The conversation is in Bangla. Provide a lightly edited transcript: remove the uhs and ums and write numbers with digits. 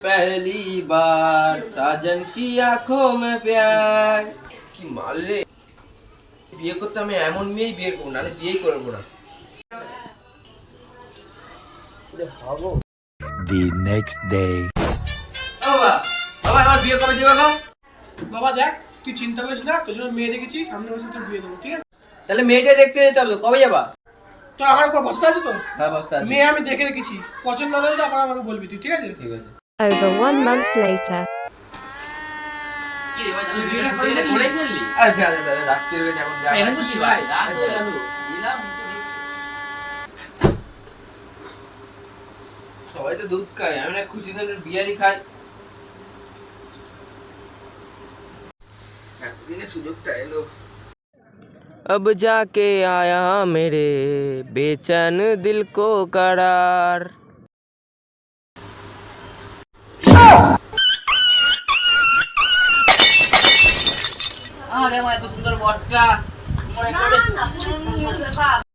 पहली बार साजन की आंखों में प्यार কি মারলে বিয়ে করতে আমি এমন মেয়েই বিয়ে করব না বিয়েই করব না The next day. বাবা বাবা আমার বিয়ে কবে দিবা গো বাবা দেখ তুই চিন্তা করিস না তোর জন্য মেয়ে দেখেছি সামনে বছর তোর বিয়ে দেবো ঠিক আছে তাহলে মেয়েটা দেখতে যেতে হবে কবে যাবা তোর আমার উপর ভরসা আছে তো হ্যাঁ বস আছে মেয়ে আমি দেখে রেখেছি পছন্দ হলে তারপর আমাকে বলবি তুই ঠিক আছে ঠিক আছে Over 1 month later. কি রে ভাই আমি বিয়ে করতে করেই ফেললি আচ্ছা আচ্ছা রাত্রি হয়ে যখন যাই এরকম করছিস ভাই রাত হয়ে গেল দিলাম সবাই তো দুধ খায় আমি না খুশি দিনের বিয়ারই খাই এতদিনে সুযোগটা এলো अब जाके आया मेरे बेचैन दिल को करार আরে আমার এত সুন্দর বরটা মনে করে